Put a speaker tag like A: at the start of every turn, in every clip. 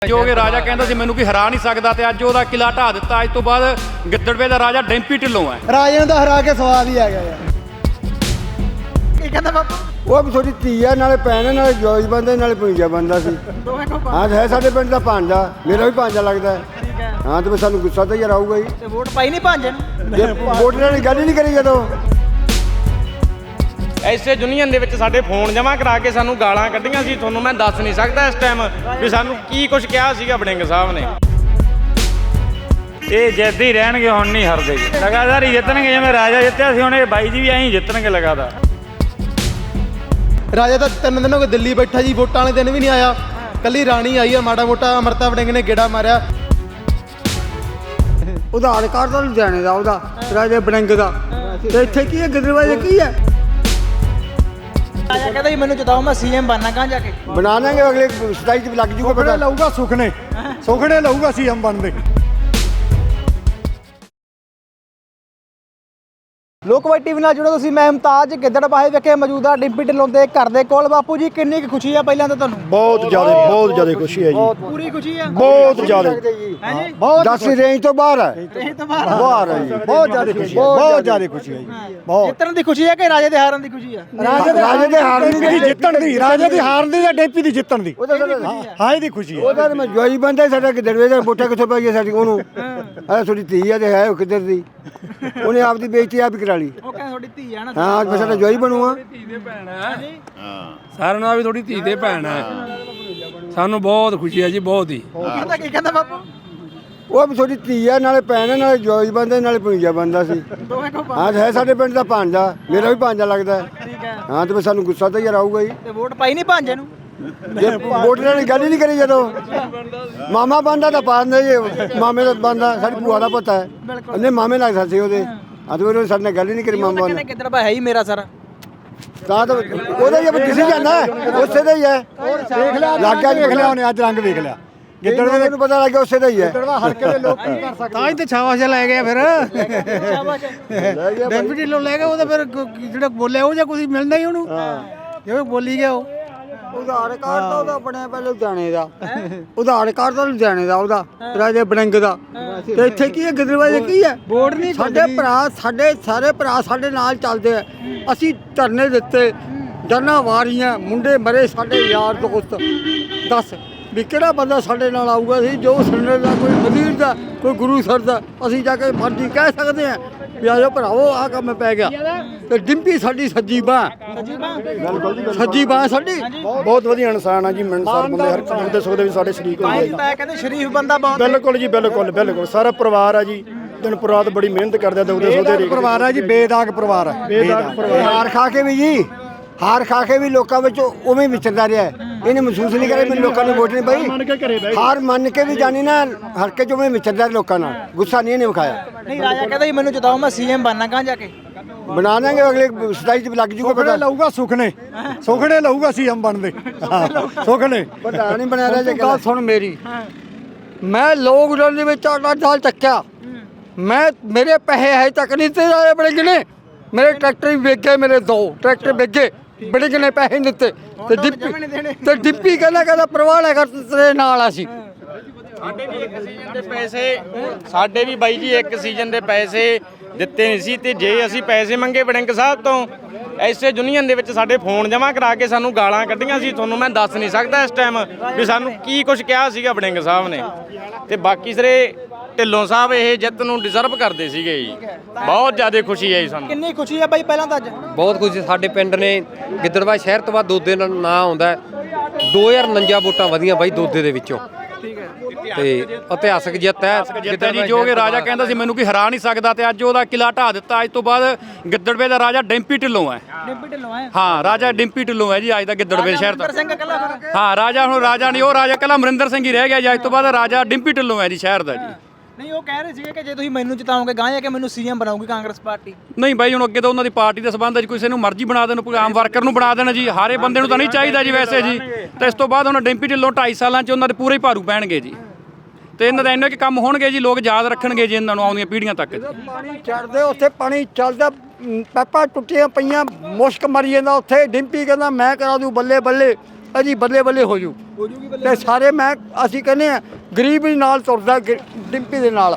A: ਜੋ ਕਿ ਰਾਜਾ ਕਹਿੰਦਾ ਸੀ ਮੈਨੂੰ ਕੋਈ ਹਰਾ ਨਹੀਂ ਸਕਦਾ ਤੇ ਅੱਜ ਉਹਦਾ ਕਿਲਾ ਢਾਹ ਦਿੱਤਾ। ਅੱਜ ਤੋਂ ਬਾਅਦ ਗਿੱਦੜਵੇ ਦਾ ਰਾਜਾ ਡੈਂਪੀ ਢਿੱਲੋਂ ਹੈ।
B: ਰਾਜੇ ਨੂੰ ਤਾਂ ਹਰਾ ਕੇ ਸਵਾਦ ਹੀ ਆ ਗਿਆ ਯਾਰ। ਕੀ ਕਹਿੰਦਾ ਬਾਪੂ?
C: ਉਹ ਵੀ ਥੋੜੀ ਧੀ ਆ, ਨਾਲੇ ਭੈਣ ਆ, ਨਾਲੇ ਜੋਜ ਬੰਦਾ, ਨਾਲੇ ਭੁੰਜਾ ਬੰਦਾ ਸੀ। ਹਾਂ ਹੈ ਸਾਡੇ ਪਿੰਡ ਦਾ ਭਾਂਜਾ, ਮੇਰਾ ਵੀ ਭਾਂਜਾ ਲੱਗਦਾ ਹੈ। ਹਾਂ ਤੇ ਸਾਨੂੰ ਗੁੱਸਾ ਤਾਂ ਯਾਰ ਆਊਗਾ ਹੀ।
B: ਤੇ ਵੋਟ ਪਾਈ ਨਹੀਂ ਭਾਂਜੇ ਨੂੰ?
C: ਵੋਟ ਨਾਲ ਗੱਲ ਹੀ ਨਹੀਂ ਕਰੀ ਜਦੋਂ।
D: ਐਸੇ ਯੂਨੀਅਨ ਦੇ ਵਿੱਚ ਸਾਡੇ ਫੋਨ ਜਮ੍ਹਾਂ ਕਰਾ ਕੇ ਸਾਨੂੰ ਗਾਲਾਂ ਕੱਢੀਆਂ ਸੀ। ਤੁਹਾਨੂੰ ਮੈਂ ਦੱਸ ਨਹੀਂ ਸਕਦਾ ਇਸ ਟਾਈਮ ਵੀ ਸਾਨੂੰ ਕੀ ਕੁਝ ਕਿਹਾ ਸੀਗਾ ਵੜਿੰਗ ਸਾਹਿਬ ਨੇ।
E: ਇਹ ਜਿੱਦ ਹੀ ਰਹਿਣਗੇ, ਹੁਣ ਨਹੀਂ ਹਰਦੇ ਜੀ, ਲਗਾਤਾਰ ਹੀ ਜਿੱਤਣਗੇ। ਜਿਵੇਂ ਰਾਜਾ ਜਿੱਤਿਆ ਸੀ ਹੁਣ ਇਹ ਬਾਈ ਜੀ ਵੀ ਐਂ ਹੀ ਜਿੱਤਣਗੇ ਲਗਾਤਾਰ।
B: ਰਾਜਾ ਤਾਂ 3 ਦਿਨ ਹੋ ਗਏ ਦਿੱਲੀ ਬੈਠਾ ਜੀ, ਵੋਟਾਂ ਵਾਲੇ ਦਿਨ ਵੀ ਨਹੀਂ ਆਇਆ। ਕੱਲੀ ਰਾਣੀ ਆਈ ਆ, ਮਾੜਾ ਮੋਟਾ ਅਮਰਤਾ ਵੜਿੰਗ ਨੇ ਗੇੜਾ ਮਾਰਿਆ।
C: ਆਧਾਰ ਕਾਰਡ ਤਾਂ ਲੁਧਿਆਣੇ ਦਾ, ਉਹਦਾ ਰਾਜੇ ਵੜਿੰਗ ਦਾ। ਤੇ ਇੱਥੇ ਕੀ ਹੈ, ਗਿੱਦੜਵੇ ਕੀ ਹੈ?
B: ਰਾਜਾ ਕਹਿੰਦਾ ਜੀ ਮੈਨੂੰ ਜਿਤਾਓ, ਮੈਂ ਸੀਐਮ ਬਣਨਾ। ਕਹਾਂ ਜਾ ਕੇ
C: ਬਣਾ ਦਾਂਗੇ, ਅਗਲੇ 27 ਚ ਲੱਗ ਜੂਗਾ ਪਤਾ।
F: ਲਊਗਾ ਸੁਖਨੇ ਲਊਗਾ ਸੀਐਮ ਬਣਦੇ।
B: ਲੋਕਵਾਈ ਟੀਵੀ ਨਾਲ ਜੁੜੋ ਤੁਸੀਂ। ਮੈਂ ਮੁਮਤਾਜ ਗਿੱਦੜਬਾਹੇ ਵਿਖੇ ਮੌਜੂਦਾ ਡਿੰਪੀ ਢਿੱਲੋਂ ਦੇ ਘਰ ਦੇ ਕੋਲ। ਬਾਪੂ ਜੀ ਕਿੰਨੀ ਕੁ ਖੁਸ਼ੀ ਆ ਪਹਿਲਾਂ ਤਾਂ ਤੁਹਾਨੂੰ?
F: ਬਹੁਤ ਜ਼ਿਆਦਾ ਖੁਸ਼ੀ ਹੈ ਜੀ।
B: ਪੂਰੀ ਖੁਸ਼ੀ ਆ?
F: ਬਹੁਤ ਜ਼ਿਆਦਾ
B: ਹੈ ਜੀ।
C: ਬਹੁਤ 10 ਰੇਂਜ ਤੋਂ ਬਾਹਰ ਹੈ।
B: ਇਹ ਤਾਂ ਬਾਹਰ
C: ਬਾਹਰ ਹੈ ਜੀ।
F: ਬਹੁਤ ਜ਼ਿਆਦਾ ਖੁਸ਼ੀ ਹੈ, ਬਹੁਤ ਜ਼ਿਆਦਾ ਖੁਸ਼ੀ ਹੈ ਜੀ। ਬਹੁਤ
B: ਜਿੱਤਣ ਦੀ ਖੁਸ਼ੀ ਹੈ ਕਿ ਰਾਜੇ ਦੇ ਹਾਰਨ ਦੀ ਖੁਸ਼ੀ ਆ?
C: ਰਾਜੇ ਦੇ ਹਾਰਨ ਦੀ
F: ਜਿੱਤਣ ਦੀ, ਰਾਜੇ ਦੀ ਹਾਰਨ ਦੀ ਜਾਂ ਡੇਪੀ ਦੀ ਜਿੱਤਣ ਦੀ। ਹਾਂ ਇਹਦੀ ਖੁਸ਼ੀ ਹੈ।
C: ਉਹਦਾ ਮੈਂ ਜੋਈ ਬੰਦਾ ਸਾਡਾ ਗਿੱਦੜਵੇ ਦਾ। ਵੋਟਾਂ ਕਿੱਥੋਂ ਪਾਈਏ ਸਾਡੀ ਉਹਨੂੰ? ਆ ਥੋੜੀ ਧੀ ਆ ਤੇ ਹੈ ਉਹ ਕਿੱਧਰ ਦੀ। ਉਹਨੇ ਆਪਦੀ ਬੇਇੱਜ਼ਤੀ ਆਪ ਹੀ ਕਰਾ ਲਈ।
B: ਉਹ ਕਹਿੰਦਾ ਤੁਹਾਡੀ ਧੀ ਆ ਨਾ।
C: ਹਾਂ ਮੈਂ ਸਾਡਾ ਜੋਈ ਬਣੂਆ।
G: ਸਾਰਿਆਂ ਨਾਲ ਵੀ ਥੋੜੀ ਧੀ ਦੇ ਭੈਣ ਹੈ। ਸਾਨੂੰ ਬਹੁਤ ਖੁਸ਼ੀ ਹੈ ਜੀ, ਬਹੁਤ ਹੀ।
B: ਕੀ ਕਹਿੰਦਾ ਬਾਪੂ?
C: ਉਹ ਵੀ ਥੋੜੀ ਧੀ ਆ, ਨਾਲੇ ਭੈਣ ਆ, ਨਾਲੇ ਜੋਈ ਬੰਦਾ, ਨਾਲੇ ਭੁੰਜਾ ਬੰਦਾ ਸੀ। ਹਾਂ ਹੈ ਸਾਡੇ ਪਿੰਡ ਦਾ ਭਾਂਜਾ, ਮੇਰਾ ਵੀ ਭਾਂਜਾ ਲੱਗਦਾ ਹੈ। ਹਾਂ ਤੇ ਸਾਨੂੰ ਗੁੱਸਾ ਤਾਂ ਯਾਰ ਆਊਗਾ ਹੀ।
B: ਤੇ ਵੋਟ ਪਾਈ ਨਹੀਂ ਭਾਂਜੇ ਨੂੰ?
C: ਵੋਟ ਨਾਲ ਗੱਲ ਹੀ ਨਹੀਂ ਕਰੀ ਜਦੋਂ। ਮਾਮਾ ਬੰਦਾ ਤਾਂ ਪਾਉਂਦੇ ਜੀ, ਮਾਮੇ ਦਾ ਬੰਦਾ ਸਾਡੀ ਭੂਆ ਦਾ ਪਤਾ ਹੈ। ਉਹਨੇ ਮਾਮੇ ਲੱਗਦਾ ਸੀ ਉਹਦੇ। ਅੱਜ ਉਹ ਸਾਡੇ ਨਾਲ ਗੱਲ ਹੀ ਨਹੀਂ ਕਰੀ ਮਾਮਾ ਨੇ।
B: ਗਿੱਦੜਬਾਹਾ ਹੈ ਹੀ ਮੇਰਾ ਸਾਰਾ।
C: ਤਾਂ ਉਹਦਾ ਹੀ ਦਿਸੀ ਜਾਂਦਾ, ਉਸੇ ਦਾ ਹੀ ਹੈ।
F: ਦੇਖ ਲਿਆ, ਵੇਖ ਲਿਆ ਉਹਨੇ ਅੱਜ ਰੰਗ ਵੇਖ ਲਿਆ।
C: ਗਿੱਦੜਵੇ ਨੂੰ ਪਤਾ ਲੱਗ ਗਿਆ ਉਸੇ ਦਾ ਹੀ ਹੈ।
F: ਹਲਕੇ ਦੇ ਲੋਕ ਕੀ ਕਰ ਸਕਦੇ।
B: ਤਾਂ ਹੀ ਤੇ ਛਾਵਾਸ਼ ਲੈ ਗਿਆ ਫਿਰ। ਡੈਂਪੀ ਢਿੱਲੋਂ ਲੈ ਗਿਆ। ਉਹਦਾ ਫਿਰ ਜਿਹੜਾ ਬੋਲਿਆ ਉਹ ਜਾਂ ਕੁਝ ਮਿਲਣਾ ਹੀ ਉਹਨੂੰ। ਜਿਵੇਂ ਬੋਲੀ ਗਿਆ ਉਹ।
C: ਆਧਾਰ ਕਾਰਡ ਤਾਂ ਉਹਦਾ ਬਣਿਆ ਪਹਿਲੇ ਲੁਧਿਆਣੇ ਦਾ। ਆਧਾਰ ਕਾਰਡ ਤਾਂ ਲੁਧਿਆਣੇ ਦਾ, ਉਹਦਾ ਰਾਜੇ ਵੜਿੰਗ ਦਾ। ਤੇ ਇੱਥੇ ਕੀ ਹੈ, ਗਿੱਦੜਵੇ ਕੀ ਹੈ?
B: ਵੋਟ ਨਹੀਂ
C: ਸਾਡੇ ਭਰਾ, ਸਾਡੇ ਸਾਰੇ ਭਰਾ ਸਾਡੇ ਨਾਲ ਚੱਲਦੇ ਆ। ਅਸੀਂ ਧਰਨੇ ਦਿੱਤੇ, ਜਨਾਂ ਵਾਰੀਆਂ, ਮੁੰਡੇ ਮਰੇ ਸਾਡੇ ਯਾਰ ਦੋਸਤ। ਦੱਸ ਵੀ ਕਿਹੜਾ ਬੰਦਾ ਸਾਡੇ ਨਾਲ ਆਊਗਾ? ਸੀ ਜੋ ਸੁਣਨੇ ਦਾ, ਕੋਈ ਵਜ਼ੀਰ ਦਾ, ਕੋਈ ਗੁਰੂ ਸਰ ਦਾ। ਅਸੀਂ ਜਾ ਕੇ ਮਰਜੀ ਕਹਿ ਸਕਦੇ ਆ ਵੀ ਆਜੋ ਭਰਾਵੋ ਆਹ ਕੰਮ ਪੈ ਗਿਆ। ਤੇ ਡਿੰਪੀ ਸਾਡੀ ਸੱਜੀ ਬਾਂਹ ਸਾਡੀ।
F: ਬਹੁਤ ਵਧੀਆ ਇਨਸਾਨ ਆ ਜੀ, ਮਿਲਣਸਾਰ ਬੰਦੇ, ਹਰ ਕੰਮ ਦੇ ਸੁੱਖ ਦੇ ਵਿੱਚ ਸਾਡੇ ਸ਼ਰੀਕ ਹੁੰਦੇ ਆ
B: ਮੈਂ ਕਹਿੰਦੇ ਸ਼ਰੀਫ ਬੰਦਾ ਬਹੁਤ।
F: ਬਿਲਕੁਲ ਜੀ, ਬਿਲਕੁਲ ਸਾਰਾ ਪਰਿਵਾਰ ਆ ਜੀ। ਦਿਨ ਰਾਤ ਬੜੀ ਮਿਹਨਤ ਕਰਦੇ ਆ। ਉਹਦੇ ਸੋਦੇ ਪਰਿਵਾਰ ਆ ਜੀ, ਬੇਦਾਗ ਪਰਿਵਾਰ ਆ।
C: ਹਾਰ ਖਾ ਕੇ ਵੀ ਜੀ, ਹਾਰ ਖਾ ਕੇ ਵੀ ਲੋਕਾਂ ਵਿੱਚ ਉਵੇਂ ਵਿਚਰਦਾ ਰਿਹਾ। ਇਹਨੇ ਮਹਿਸੂਸ ਨਹੀਂ ਕਰਿਆ ਮੈਨੂੰ ਲੋਕਾਂ ਨੇ ਵੋਟ ਨਹੀਂ ਪਾਈ। ਹਾਰ ਮੰਨ ਕੇ ਵੀ ਜਾਣੀ ਨਾ, ਹਲਕੇ ਚ ਉਵੇਂ ਵਿਚਰਦਾ ਲੋਕਾਂ ਨਾਲ। ਗੁੱਸਾ ਨਹੀਂ ਇਹਨੇ ਵਿਖਾਇਆ।
B: ਨਹੀਂ ਰਾਜਾ ਕਹਿੰਦਾ ਜੀ ਮੈਨੂੰ ਜਿਤਾਓ, ਮੈਂ ਸੀਐਮ ਬਣਨਾ। ਕਹਾਂ ਜਾ ਕੇ
C: ਬਣਾ ਦਾਂਗੇ, ਅਗਲੇ 27 ਚ ਲੱਗ ਜੂਗਾ ਪਤਾ।
F: ਲਊਗਾ ਸੁਖਨੇ ਲਊਗਾ ਸੀਐਮ ਬਣਦੇ। ਸੁਖਨੇ
C: ਪਤਾ ਨਹੀਂ ਬਣਿਆ ਰਿਹਾ। ਗੱਲ ਸੁਣ ਮੇਰੀ, ਮੈਂ ਲੋਕਡਾਊਨ ਦੇ ਵਿੱਚ 8 ਸਾਲ ਚੱਕਿਆ। ਮੇਰੇ ਪੈਸੇ ਹਜੇ ਤੱਕ ਨਹੀਂ ਤੇ ਆਏ ਬੜੇ ਗਿਣੇ। ਮੇਰੇ ਟਰੈਕਟਰ ਵੀ ਵੇਚੇ, ਮੇਰੇ 2 ਟਰੈਕਟਰ ਵੇਚੇ, ਬੜੇ ਗਿਣੇ ਪੈਸੇ ਨਹੀਂ ਦਿੱਤੇ। ਤੇ ਡਿੰਪੀ ਕਹਿੰਦਾ ਪ੍ਰਵਾਹ ਲੈ ਕਰ ਤੇਰੇ ਨਾਲ। ਅਸੀਂ
D: ਸਾਡੇ ਵੀ ਇੱਕ ਸੀਜ਼ਨ ਦੇ ਪੈਸੇ, ਸਾਡੇ ਵੀ ਬਾਈ ਜੀ ਇੱਕ ਸੀਜ਼ਨ ਦੇ ਪੈਸੇ ਦਿੱਤੇ ਨਹੀਂ ਸੀ। ਤੇ ਜੇ ਅਸੀਂ ਪੈਸੇ ਮੰਗੇ ਵੜਿੰਗ ਸਾਹਿਬ ਤੋਂ, ਐਸੇ ਯੂਨੀਅਨ ਦੇ ਵਿੱਚ ਸਾਡੇ ਫੋਨ ਜਮ੍ਹਾਂ ਕਰਾ ਕੇ ਸਾਨੂੰ ਗਾਲਾਂ ਕੱਢੀਆਂ ਸੀ। ਤੁਹਾਨੂੰ ਮੈਂ ਦੱਸ ਨਹੀਂ ਸਕਦਾ ਇਸ ਟਾਈਮ ਵੀ ਸਾਨੂੰ ਕੀ ਕੁਝ ਕਿਹਾ ਸੀਗਾ ਵੜਿੰਗ ਸਾਹਿਬ ਨੇ। ਤੇ ਬਾਕੀ ਸਿਰੇ ਢਿੱਲੋਂ ਸਾਹਿਬ ਇਹ ਜਿੱਤ ਨੂੰ ਡਿਜ਼ਰਵ ਕਰਦੇ ਸੀਗੇ ਜੀ। ਬਹੁਤ ਜ਼ਿਆਦਾ ਖੁਸ਼ੀ ਹੈ ਜੀ ਸਾਨੂੰ।
B: ਕਿੰਨੀ ਖੁਸ਼ੀ ਹੈ ਬਾਈ ਪਹਿਲਾਂ ਤਾਂ ਅੱਜ?
H: ਬਹੁਤ ਖੁਸ਼ੀ। ਸਾਡੇ ਪਿੰਡ ਨੇ ਗਿੱਦੜਬਾਹਾ ਸ਼ਹਿਰ ਤੋਂ ਬਾਅਦ ਦੋਦੇ ਦਾ ਨਾਂ ਆਉਂਦਾ। 2049 ਵੋਟਾਂ ਵਧੀਆਂ ਬਾਈ ਦੋਦੇ ਦੇ ਵਿੱਚੋਂ। ਤੇ ਇਤਿਹਾਸਕ ਜਿੱਤ ਹੈ
A: ਜੀ। ਜੋ ਕਿ ਰਾਜਾ ਕਹਿੰਦਾ ਸੀ ਮੈਨੂੰ ਕੋਈ ਹਰਾ ਨਹੀਂ ਸਕਦਾ ਤੇ ਅੱਜ ਉਹਦਾ ਕਿਲਾ ਢਾਹ ਦਿੱਤਾ। ਅੱਜ ਤੋਂ ਬਾਅਦ ਗਿੱਦੜਵੇ ਦਾ ਰਾਜਾ ਡੈਂਪੀ ਢਿੱਲੋਂ ਹੈ।
B: ਡਿੰਪੀ ਢਿੱਲੋਂ ਹੈ।
A: ਹਾਂ ਰਾਜਾ ਡਿੰਪੀ ਢਿੱਲੋਂ ਹੈ ਜੀ ਅੱਜ ਦਾ ਗਿੱਦੜਵੇ ਸ਼ਹਿਰ ਦਾ।
B: ਸਿੰਘ ਕੱਲਾ ਫਿਰ।
A: ਹਾਂ ਰਾਜਾ ਹੁਣ ਰਾਜਾ ਨਹੀਂ, ਉਹ ਰਾਜਾ ਕੱਲਾ ਅਮਰਿੰਦਰ ਸਿੰਘ ਹੀ ਰਹਿ ਗਿਆ ਜੀ। ਅੱਜ ਤੋਂ ਬਾਅਦ ਰਾਜਾ ਡਿੰਪੀ ਢਿੱਲੋਂ ਹੈ ਜੀ ਸ਼ਹਿਰ ਦਾ ਜੀ।
B: ਨਹੀਂ ਉਹ ਕਹਿ ਰਹੇ ਸੀਗੇ ਕਿ ਜੇ ਤੁਸੀਂ ਮੈਨੂੰ ਜਿਤਾਓਗੇ ਗਾਂ ਜਾ ਕੇ ਮੈਨੂੰ ਸੀਐਮ ਬਣਾਉਗੀ ਕਾਂਗਰਸ ਪਾਰਟੀ।
A: ਨਹੀਂ ਬਾਈ ਹੁਣ ਅੱਗੇ ਤਾਂ ਉਹਨਾਂ ਦੀ ਪਾਰਟੀ ਦੇ ਸੰਬੰਧ ਵਿੱਚ ਕਿਸੇ ਨੂੰ ਮਰਜ਼ੀ ਬਣਾ ਦੇਣ, ਕੋਈ ਆਮ ਵਰਕਰ ਨੂੰ ਬਣਾ ਦੇਣ ਜੀ। ਹਾਰੇ ਬੰਦੇ ਨੂੰ ਤਾਂ ਨਹੀਂ ਚਾਹੀਦਾ ਜੀ ਵੈਸੇ ਜੀ। ਤੇ ਇਸ ਤੋਂ ਬਾਅਦ ਹੁਣ ਡਿੰਪੀ ਢਿੱਲੋਂ 2.5 ਸਾਲਾਂ 'ਚ ਉਹਨਾਂ ਦੇ ਪੂਰੇ ਭਾਰੂ ਪੈਣਗੇ ਜੀ। ਤੇ ਇਹਨਾਂ ਦਾ ਇੰਨੇ ਕਿ ਕੰਮ ਹੋਣਗੇ ਜੀ, ਲੋਕ ਯਾਦ ਰੱਖਣਗੇ ਜੀ ਇਹਨਾਂ ਨੂੰ ਆਉਂਦੀਆਂ ਪੀੜ੍ਹੀਆਂ ਤੱਕ।
C: ਪਾਣੀ ਚੜਦੇ ਉੱਥੇ, ਪਾਣੀ ਚੱਲਦਾ, ਪੈਪਾਂ ਟੁੱਟੀਆਂ ਪਈਆਂ, ਮੁਸ਼ਕ ਮਰੀ ਜਾਂਦਾ ਉੱਥੇ। ਡਿੰਪੀ ਕਹਿੰਦਾ ਮੈਂ ਕਰਾ ਦੂੰ ਬੱਲੇ ਬੱਲੇ। ਅਜੀ ਬੱਲੇ ਬੱਲੇ ਹੋ ਜੂ ਤੇ ਸਾਰੇ ਅਸੀਂ ਕਹਿੰਦੇ ਆ ਗਰੀਬ ਦੇ ਨਾਲ ਤੁਰਦਾ ਡਿੰਪੀ ਦੇ ਨਾਲ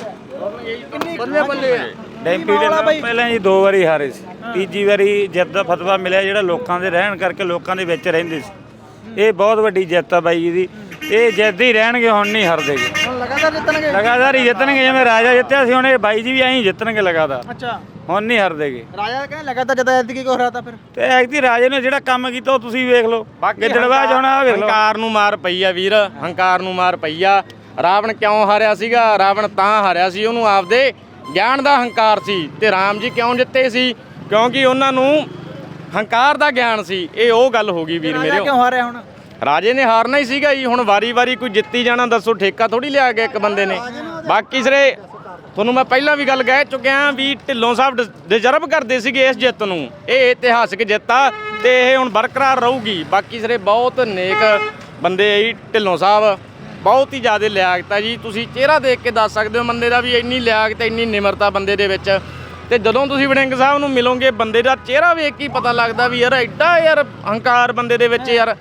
C: ਬੱਲੇ ਬੱਲੇ
E: ਡੈਂਪੀ ਢਿੱਲੋਂ ਪਹਿਲਾਂ ਜੀ 2 ਵਾਰੀ ਹਾਰੇ ਸੀ, ਤੀਜੀ ਵਾਰੀ ਜਿੱਤ ਦਾ ਫਤਵਾ ਮਿਲਿਆ ਜਿਹੜਾ ਲੋਕਾਂ ਦੇ ਰਹਿਣ ਕਰਕੇ ਲੋਕਾਂ ਦੇ ਵਿੱਚ ਰਹਿੰਦੇ ਸੀ। ਇਹ ਬਹੁਤ ਵੱਡੀ ਜਿੱਤ ਆ ਬਾਈ ਜੀ ਦੀ, ਇਹ ਜਿੱਤਦੇ ਹੀ ਰਹਿਣਗੇ, ਹੁਣ ਨਹੀਂ ਹਾਰਦੇਗੇ,
B: ਹੁਣ ਲਗਾਤਾਰ ਜਿੱਤਣਗੇ।
E: ਲਗਾਤਾਰ ਹੀ ਜਿੱਤਣਗੇ। ਜਿਵੇਂ ਰਾਜਾ ਜਿੱਤਿਆ ਸੀ, ਹੁਣ ਇਹ ਬਾਈ ਜੀ ਵੀ ਐਂ ਜਿੱਤਣਗੇ ਲਗਾਤਾਰ,
B: ਅੱਛਾ
E: ਹੁਣ ਨਹੀਂ ਹਾਰਦੇਗੇ।
B: ਰਾਜਾ ਕਹਿੰਦਾ ਲਗਾਤਾਰ ਜਿੱਤ ਐਤਕੀ ਕਿਉਂ ਹਰਾਤਾ ਫਿਰ?
E: ਤੇ ਐਤਕੀ ਰਾਜੇ ਨੇ ਜਿਹੜਾ ਕੰਮ ਕੀਤਾ ਉਹ ਤੁਸੀਂ ਵੇਖ ਲਓ, ਗਿੱਦੜਬਾਹ ਚ ਹੁਣ ਆਹ ਵੇਖ ਲਓ।
D: ਹੰਕਾਰ ਨੂੰ ਮਾਰ ਪਈ ਆ ਵੀਰ, ਹੰਕਾਰ ਨੂੰ ਮਾਰ ਪਈ ਆ। ਰਾਵਣ ਕਿਉਂ ਹਾਰਿਆ ਸੀਗਾ? ਰਾਵਣ ਤਾਂ ਹਾਰਿਆ ਸੀ, ਉਹਨੂੰ ਆਪਦੇ ਗਿਆਨ ਦਾ ਹੰਕਾਰ ਸੀ। ਤੇ ਰਾਮ ਜੀ ਕਿਉਂ ਜਿੱਤੇ ਸੀ? ਕਿਉਂਕਿ ਉਹਨਾਂ ਨੂੰ ਹੰਕਾਰ ਦਾ ਗਿਆਨ ਸੀ। ਇਹ ਉਹ ਗੱਲ ਹੋ ਗਈ ਵੀਰ ਮੇਰੇ।
B: ਕਿਉਂ ਹਾਰਿਆ ਹੁਣ?
D: ਰਾਜੇ ਨੇ ਹਾਰਨਾ ਹੀ ਸੀਗਾ ਜੀ। ਹੁਣ ਵਾਰੀ-ਵਾਰੀ ਕੋਈ ਜਿੱਤੀ ਜਾਣਾ, ਦੱਸੋ ਠੇਕਾ ਥੋੜੀ ਲਿਆ ਗਿਆ ਇੱਕ ਬੰਦੇ ਨੇ। ਬਾਕੀ ਸਿਰੇ ਤੁਹਾਨੂੰ ਮੈਂ ਪਹਿਲਾਂ ਵੀ ਗੱਲ ਕਹਿ ਚੁੱਕਿਆ ਵੀ ਢਿੱਲੋਂ ਸਾਹਿਬ ਡਿਜ਼ਰਵ ਕਰਦੇ ਸੀਗੇ ਇਸ ਜਿੱਤ ਨੂੰ। ਇਹ ਇਤਿਹਾਸਿਕ ਜਿੱਤ ਆ ਤੇ ਇਹ ਹੁਣ ਬਰਕਰਾਰ ਰਹੂਗੀ। ਬਾਕੀ ਸਿਰੇ ਬਹੁਤ ਨੇਕ ਬੰਦੇ ਆ ਜੀ ਢਿੱਲੋਂ ਸਾਹਿਬ, ਬਹੁਤ ਹੀ ਜ਼ਿਆਦਾ ਲਿਆਕਤ ਆ ਜੀ। ਤੁਸੀਂ ਚਿਹਰਾ ਦੇਖ ਕੇ ਦੱਸ ਸਕਦੇ ਹੋ ਬੰਦੇ ਦਾ ਵੀ ਇੰਨੀ ਲਿਆਕਤ, ਇੰਨੀ ਨਿਮਰਤਾ ਬੰਦੇ ਦੇ ਵਿੱਚ। ਤੇ ਜਦੋਂ ਤੁਸੀਂ ਵੜਿੰਗ ਸਾਹਿਬ ਨੂੰ ਮਿਲੋਗੇ, ਬੰਦੇ ਦਾ ਚਿਹਰਾ ਵੇਖ ਕੇ ਪਤਾ ਲੱਗਦਾ ਵੀ ਯਾਰ ਐਡਾ ਯਾਰ ਹੰਕਾਰ ਬੰਦੇ ਦੇ ਵਿੱਚ ਯਾਰ।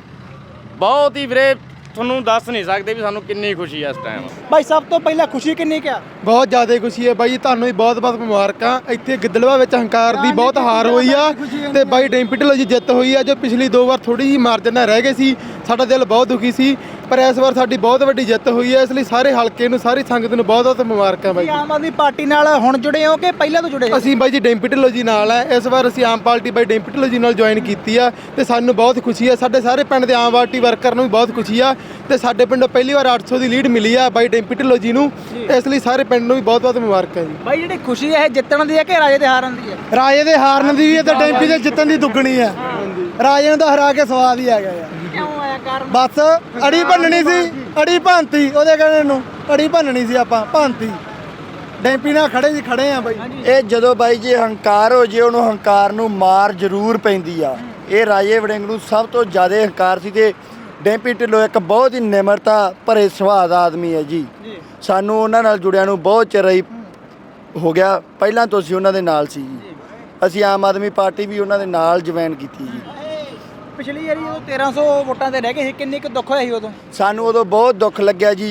D: ਬਹੁਤ ਹੀ ਵੀਰੇ ਤੁਹਾਨੂੰ ਦੱਸ ਨਹੀਂ ਸਕਦੇ ਵੀ ਸਾਨੂੰ ਕਿੰਨੀ ਖੁਸ਼ੀ ਆ ਇਸ ਟਾਈਮ।
B: ਬਾਈ ਸਭ ਤੋਂ ਪਹਿਲਾਂ ਖੁਸ਼ੀ ਕਿੰਨੀ ਕਿਆ?
F: ਬਹੁਤ ਜ਼ਿਆਦਾ ਖੁਸ਼ੀ ਹੈ ਬਾਈ, ਤੁਹਾਨੂੰ ਵੀ ਬਹੁਤ-ਬਹੁਤ ਮੁਬਾਰਕਾਂ। ਇੱਥੇ ਗਿੱਦੜਬਾਹ ਵਿੱਚ ਹੰਕਾਰ ਦੀ ਬਹੁਤ ਹਾਰ ਹੋਈ ਆ ਤੇ ਬਾਈ ਡੈਂਪੀ ਢਿੱਲੋਂ ਜੀ ਜਿੱਤ ਹੋਈ ਆ। ਜੋ ਪਿਛਲੀ 2 ਵਾਰ ਥੋੜੀ ਜਿਹੀ ਮਾਰਜਨ ਨਾਲ ਰਹਿ ਗਏ ਸੀ, ਸਾਡਾ ਦਿਲ ਬਹੁਤ ਦੁਖੀ ਸੀ, ਪਰ ਇਸ ਵਾਰ ਸਾਡੀ ਬਹੁਤ ਵੱਡੀ ਜਿੱਤ ਹੋਈ ਹੈ। ਇਸ ਲਈ ਸਾਰੇ ਹਲਕੇ ਨੂੰ, ਸਾਰੀ ਸੰਗਤ ਨੂੰ ਬਹੁਤ-ਬਹੁਤ ਮੁਬਾਰਕਾਂ ਬਾਈ।
B: ਆਮ ਆਦਮੀ ਪਾਰਟੀ ਨਾਲ ਹੁਣ ਜੁੜੇ ਹੋ ਕਿ ਪਹਿਲਾਂ ਤੋਂ ਜੁੜੇ?
F: ਅਸੀਂ ਬਾਈ ਜੀ ਡੈਂਪੀ ਢਿੱਲੋਂ ਜੀ ਨਾਲ ਹੈ। ਇਸ ਵਾਰ ਅਸੀਂ ਆਮ ਪਾਰਟੀ ਬਾਈ ਡੈਂਪੀ ਢਿੱਲੋਂ ਜੀ ਨਾਲ ਜੁਆਇਨ ਕੀਤੀ ਆ ਤੇ ਸਾਨੂੰ ਬਹੁਤ ਖੁਸ਼ੀ ਆ। ਸਾਡੇ ਸਾਰੇ ਪਿੰਡ ਦੇ ਆਮ ਪਾਰਟੀ ਵਰਕਰ ਨੂੰ ਵੀ ਬਹੁਤ ਖੁਸ਼ੀ ਆ ਤੇ ਸਾਡੇ ਪਿੰਡੋਂ ਪਹਿਲੀ ਵਾਰ 800 ਦੀ ਲੀਡ ਮਿਲੀ ਆ ਬਾਈ ਡੈਂਪੀ ਢਿੱਲੋਂ ਜੀ ਨੂੰ। ਇਸ ਲਈ ਸਾਰੇ ਪਿੰਡ ਨੂੰ ਵੀ ਬਹੁਤ-ਬਹੁਤ ਮੁਬਾਰਕਾਂ ਜੀ।
B: ਬਾਈ ਜਿਹੜੀ ਖੁਸ਼ੀ ਹੈ ਇਹ ਜਿੱਤਣ ਦੀ ਹੈ ਕਿ ਰਾਜੇ ਦੇ ਹਾਰਨ ਦੀ ਹੈ?
F: ਰਾਜੇ ਦੇ ਹਾਰਨ ਦੀ ਵੀ ਹੈ ਤੇ ਡੈਂਪੀ ਦੇ ਜਿੱਤਣ ਦੀ ਦੁੱਗਣੀ ਹੈ। ਰਾਜੇ ਨੂੰ ਤਾਂ ਹਰਾ ਕੇ ਸਵਾਦ ਹੀ ਆ ਗਿਆ ਯਾਰ।
B: ਕਿਉਂ ਆਇਆ ਕਾਰਨ?
F: ਬਸ ਅੜੀ ਭੰਨਣੀ ਸੀ, ਅੜੀ ਭੰਨਤੀ ਉਹਦੇ ਕਹਿੰਦੇ ਨੂੰ, ਅੜੀ ਭੰਨਣੀ ਸੀ, ਆਪਾਂ ਭੰਨਤੀ। ਡੈਂਪੀ ਨਾਲ ਖੜੇ ਆ ਬਾਈ।
C: ਇਹ ਜਦੋਂ ਬਾਈ ਜੀ ਹੰਕਾਰ ਹੋ ਜੇ, ਉਹਨੂੰ ਹੰਕਾਰ ਨੂੰ ਮਾਰ ਜ਼ਰੂਰ ਪੈਂਦੀ ਆ। ਇਹ ਰਾਜੇ ਵੜਿੰਗ ਨੂੰ ਸਭ ਤੋਂ ਜ਼ਿਆਦਾ ਹੰਕਾਰ ਸੀ ਤੇ ਡੈਂਪੀ ਢਿੱਲੋਂ ਇੱਕ ਬਹੁਤ ਹੀ ਨਿਮਰਤਾ ਭਰੇ ਸੁਭਾਅ ਦਾ ਆਦਮੀ ਹੈ ਜੀ। ਸਾਨੂੰ ਉਹਨਾਂ ਨਾਲ ਜੁੜਿਆਂ ਨੂੰ ਬਹੁਤ ਚਿਰ ਹੀ ਹੋ ਗਿਆ, ਪਹਿਲਾਂ ਤੋਂ ਅਸੀਂ ਉਹਨਾਂ ਦੇ ਨਾਲ ਸੀ ਜੀ। ਅਸੀਂ ਆਮ ਆਦਮੀ ਪਾਰਟੀ ਵੀ ਉਹਨਾਂ ਦੇ ਨਾਲ ਜੁਆਇਨ ਕੀਤੀ ਜੀ।
B: ਪਿਛਲੀ ਵਾਰੀ ਉਹ 1300 ਵੋਟਾਂ ਤੇ ਰਹਿ ਗਏ ਸੀ, ਕਿੰਨੀ ਕੁ ਦੁੱਖ ਹੋਇਆ ਸੀ ਉਦੋਂ?
C: ਸਾਨੂੰ ਉਦੋਂ ਬਹੁਤ ਦੁੱਖ ਲੱਗਿਆ ਜੀ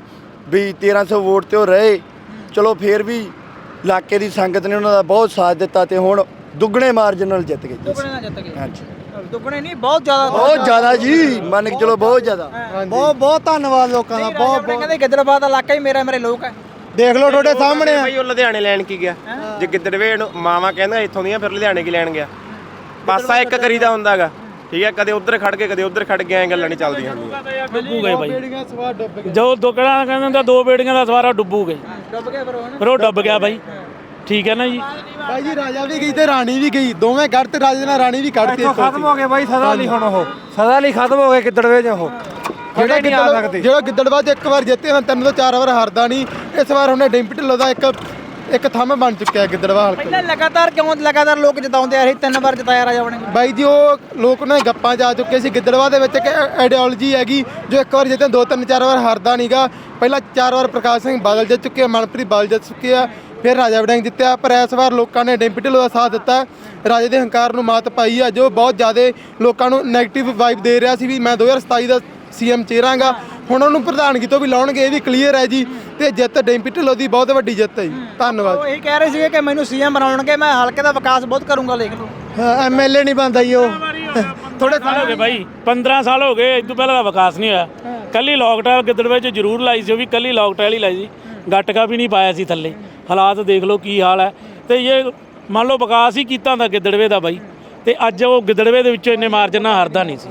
C: ਵੀ 1300 ਵੋਟ ਤੇ ਉਹ ਰਹੇ। ਚਲੋ ਫੇਰ ਵੀ ਇਲਾਕੇ ਦੀ ਸੰਗਤ ਨੇ ਉਹਨਾਂ ਦਾ ਬਹੁਤ ਸਾਥ ਦਿੱਤਾ ਤੇ ਹੁਣ ਦੁੱਗਣੇ ਮਾਰਜਨ ਨਾਲ ਜਿੱਤ ਗਏ ਜੀ।
B: ਦੁੱਗਣੇ ਨਾਲ ਜਿੱਤ ਗਏ?
C: ਹਾਂਜੀ,
B: ਦੁੱਗਣੇ ਨਹੀਂ, ਬਹੁਤ ਜ਼ਿਆਦਾ।
C: ਬਹੁਤ ਜ਼ਿਆਦਾ ਜੀ, ਮੰਨ ਕੇ ਚਲੋ ਬਹੁਤ ਜ਼ਿਆਦਾ।
F: ਬਹੁਤ ਧੰਨਵਾਦ ਲੋਕਾਂ ਦਾ। ਬਹੁਤ
B: ਕਹਿੰਦੇ ਗਿੱਦੜਬਾਹ ਦਾ ਇਲਾਕਾ ਹੀ ਮੇਰੇ ਲੋਕ ਹੈ।
F: ਦੇਖ ਲਓ ਤੁਹਾਡੇ ਸਾਹਮਣੇ ਆ।
I: ਭਾਈ ਉਹ ਲੁਧਿਆਣੇ ਲੈਣ ਕੀ ਗਿਆ? ਜੇ ਗਿੱਦੜਵੇ ਨੂੰ ਮਾਵਾ ਕਹਿੰਦਾ ਇੱਥੋਂ ਦੀਆਂ, ਫਿਰ ਲੁਧਿਆਣੇ ਕੀ ਲੈਣ ਗਿਆ? ਪਾਸਾ ਇੱਕ ਕਰੀਦਾ ਹੁੰਦਾਗਾ, ਠੀਕ ਹੈ। ਕਦੇ ਉੱਧਰ ਖੜ ਕੇ ਕਦੇ ਉੱਧਰ ਖੜ ਕੇ, ਐਂ ਗੱਲਾਂ ਨਹੀਂ ਚੱਲਦੀਆਂ ਹੁੰਦੀਆਂ।
E: ਡੁੱਬੂਗੇ ਬਾਈ, ਜੋ ਦੁੱਕੜਾ ਕਹਿੰਦੇ ਹੁੰਦਾ 2 ਬੇੜੀਆਂ ਦਾ ਸਵਾਰਾ ਡੁੱਬੂਗੇ।
B: ਡੁੱਬ ਗਿਆ
E: ਫਿਰ ਉਹ ਡੁੱਬ ਗਿਆ ਬਾਈ, ਠੀਕ ਹੈ ਨਾ ਜੀ।
F: ਬਾਈ ਜੀ ਰਾਜਾ ਵੀ ਗਈ ਤੇ ਰਾਣੀ ਵੀ ਗਈ, ਦੋਵੇਂ ਕੱਢ ਤੇ ਰਾਜੇ ਨਾਲ ਰਾਣੀ ਵੀ ਕੱਢਤੀ।
I: ਖਤਮ ਹੋ ਗਏ ਬਾਈ ਸਦਾ ਲਈ, ਹੁਣ ਉਹ ਸਦਾ ਲਈ ਖਤਮ ਹੋ ਗਏ ਗਿੱਦੜਵੇ ਚ। ਉਹ
F: ਜਿਹੜਾ ਗਿੱਦੜਬਾਹ 'ਚ ਇੱਕ ਵਾਰ ਜਿੱਤੇ, 3 ਤੋਂ 4 ਵਾਰ ਹਾਰਦਾ ਨਹੀਂ। ਇਸ ਵਾਰ ਉਹਨੇ ਡੈਂਪੀ ਢਿੱਲੋਂ ਦਾ ਇੱਕ ਥੰਮ ਬਣ ਚੁੱਕਿਆ ਗਿੱਦੜਬਾਹ ਹਲਕੇ।
B: ਪਹਿਲਾਂ ਲਗਾਤਾਰ ਲੋਕ ਜਿਤਾਉਂਦੇ ਆ ਰਹੇ, 3 ਵਾਰ ਜਿਤਾਇਆ ਰਾਜਾ ਵੜਿੰਗ।
F: ਬਾਈ ਜੀ ਉਹ ਲੋਕ ਉਹਨਾਂ ਦੇ ਗੱਪਾਂ 'ਚ ਆ ਚੁੱਕੇ ਸੀ। ਗਿੱਦੜਬਾਹ ਦੇ ਵਿੱਚ ਇੱਕ ਆਈਡੀਓਲੋਜੀ ਹੈਗੀ, ਜੋ ਇੱਕ ਵਾਰ ਜਿੱਤੇ 2 3 4 ਵਾਰ ਹਾਰਦਾ ਨਹੀਂਗਾ। ਪਹਿਲਾਂ 4 ਵਾਰ ਪ੍ਰਕਾਸ਼ ਸਿੰਘ ਬਾਦਲ ਜਿੱਤ ਚੁੱਕੇ ਆ, ਮਨਪ੍ਰੀਤ ਬਾਦਲ ਜਿੱਤ ਚੁੱਕੇ ਆ, ਫਿਰ ਰਾਜਾ ਵੜਿੰਗ ਜਿੱਤਿਆ। ਪਰ ਇਸ ਵਾਰ ਲੋਕਾਂ ਨੇ ਡੈਂਪੀ ਢਿੱਲੋਂ ਦਾ ਸਾਥ ਦਿੱਤਾ, ਰਾਜੇ ਦੇ ਹੰਕਾਰ ਨੂੰ ਮਾਤ ਪਾਈ ਆ, ਜੋ ਬਹੁਤ ਜ਼ਿਆਦਾ ਲੋਕਾਂ ਨੂੰ ਨੈਗੇਟਿਵ ਵਾਈਬ ਦੇ ਰਿਹਾ ਸੀ ਵੀ ਮੈਂ 2027 ਦਾ ਸੀਐਮ ਚਿਹਰਾਂਗਾ। ਹੁਣ ਉਹਨੂੰ ਪ੍ਰਧਾਨਗੀ ਤੋਂ ਵੀ ਲਾਉਣਗੇ, ਇਹ ਵੀ ਕਲੀਅਰ ਹੈ ਜੀ। ਤੇ ਜਿੱਤ ਡੈਂਪੀ ਢਿੱਲੋਂ ਦੀ ਬਹੁਤ ਵੱਡੀ ਜਿੱਤ ਹੈ ਜੀ। ਧੰਨਵਾਦ।
B: ਉਹ ਇਹ ਕਹਿ ਰਹੇ ਸੀਗੇ ਕਿ ਮੈਨੂੰ ਸੀਐਮ ਬਣਾਉਣਗੇ, ਮੈਂ ਹਲਕੇ ਦਾ ਵਿਕਾਸ ਬਹੁਤ ਕਰੂੰਗਾ। ਲਿਖ ਲਓ,
F: ਐਮਐਲਏ ਨਹੀਂ ਬਣਦਾ ਜੀ ਉਹ।
E: ਥੋੜੇ ਸਾਲ ਹੋ ਗਏ ਬਾਈ, 15 ਸਾਲ ਹੋ ਗਏ, ਇਸ ਤੋਂ ਪਹਿਲਾਂ ਦਾ ਵਿਕਾਸ ਨਹੀਂ ਹੋਇਆ। ਕੱਲੀ ਲੌਕਟਾਇਲ ਗਿੱਦੜਵੇ 'ਚ ਜ਼ਰੂਰ ਲਾਈ ਸੀ, ਉਹ ਵੀ ਕੱਲੀ ਲੌਕਟਾਇਲ ਹੀ ਲਾਈ ਸੀ, ਗਟਕਾ ਵੀ ਨਹੀਂ ਪਾਇਆ ਸੀ ਥੱਲੇ। ਹਾਲਾਤ ਦੇਖ ਲਓ ਕੀ ਹਾਲ ਹੈ। ਤੇ ਇਹ ਮੰਨ ਲਓ ਵਿਕਾਸ ਹੀ ਕੀਤਾ ਹੁੰਦਾ ਗਿੱਦੜਵੇ ਦਾ ਬਾਈ, ਤੇ ਅੱਜ ਉਹ ਗਿੱਦੜਵੇ ਦੇ ਵਿੱਚੋਂ ਇੰਨੇ ਮਾਰਜਨ ਨਾਲ ਹਾਰਦਾ ਨਹੀਂ ਸੀ।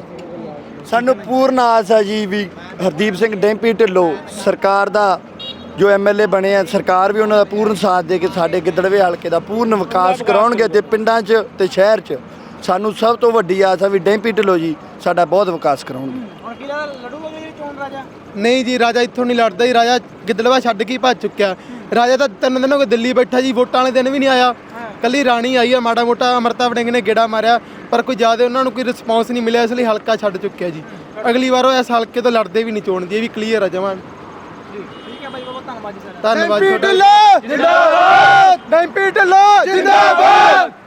C: ਸਾਨੂੰ ਪੂਰਨ ਆਸ ਹੈ ਜੀ ਵੀ ਹਰਦੀਪ ਸਿੰਘ ਡੈਂਪੀ ਢਿੱਲੋਂ ਸਰਕਾਰ ਦਾ ਜੋ ਐਮਐਲਏ ਬਣੇ ਆ, ਸਰਕਾਰ ਵੀ ਉਹਨਾਂ ਦਾ ਪੂਰਨ ਸਾਥ ਦੇ ਕੇ ਸਾਡੇ ਗਿੱਦੜਵੇ ਹਲਕੇ ਦਾ ਪੂਰਨ ਵਿਕਾਸ ਕਰਾਉਣਗੇ ਤੇ ਪਿੰਡਾਂ 'ਚ ਤੇ ਸ਼ਹਿਰ 'ਚ। ਸਾਨੂੰ ਸਭ ਤੋਂ ਵੱਡੀ ਆਸ ਹੈ ਵੀ ਡੈਂਪੀ ਢਿੱਲੋਂ ਜੀ ਸਾਡਾ ਬਹੁਤ ਵਿਕਾਸ ਕਰਾਉਣਗੇ।
B: ਹੁਣ ਕੀ ਲੜੂਗਾ ਮੇਰੀ ਚੋਣ ਰਾਜਾ?
F: ਨਹੀਂ ਜੀ, ਰਾਜਾ ਇੱਥੋਂ ਨਹੀਂ ਲੜਦਾ ਜੀ। ਰਾਜਾ ਗਿੱਦੜਬਾਹ ਛੱਡ ਕੇ ਭੱਜ ਚੁੱਕਿਆ। ਰਾਜਾ ਤਾਂ 3 ਦਿਨ ਹੋ ਗਏ ਦਿੱਲੀ ਬੈਠਾ ਜੀ, ਵੋਟਾਂ ਵਾਲੇ ਦਿਨ ਵੀ ਨਹੀਂ ਆਇਆ। ਕੱਲੀ ਰਾਣੀ ਆਈ ਆ, ਮਾੜਾ ਮੋਟਾ ਅਮਰਤਾ ਵੜਿੰਗ ਨੇ ਗੇੜਾ ਮਾਰਿਆ, ਪਰ ਕੋਈ ਜ਼ਿਆਦਾ ਉਹਨਾਂ ਨੂੰ ਕੋਈ ਰਿਸਪੌਂਸ ਨਹੀਂ ਮਿਲਿਆ। ਇਸ ਲਈ ਹਲਕਾ ਛੱਡ ਚੁੱਕਿਆ ਜੀ। ਅਗਲੀ ਵਾਰ ਉਹ ਇਸ ਹਲਕੇ ਤੋਂ ਲੜਦੇ ਵੀ ਨਹੀਂ ਚੋਣ ਦੀ, ਇਹ ਵੀ ਕਲੀਅਰ ਆ ਜਮਾਂ।
B: ਠੀਕ ਹੈ ਬਾਈ, ਬਹੁਤ ਧੰਨਵਾਦ ਜੀ ਸਰ।
F: ਧੰਨਵਾਦ। ਡੈਂਪੀ ਢਿੱਲੋਂ ਜਿੰਦਾਬਾਦ, ਡੈਂਪੀ ਢਿੱਲੋਂ ਜਿੰਦਾਬਾਦ।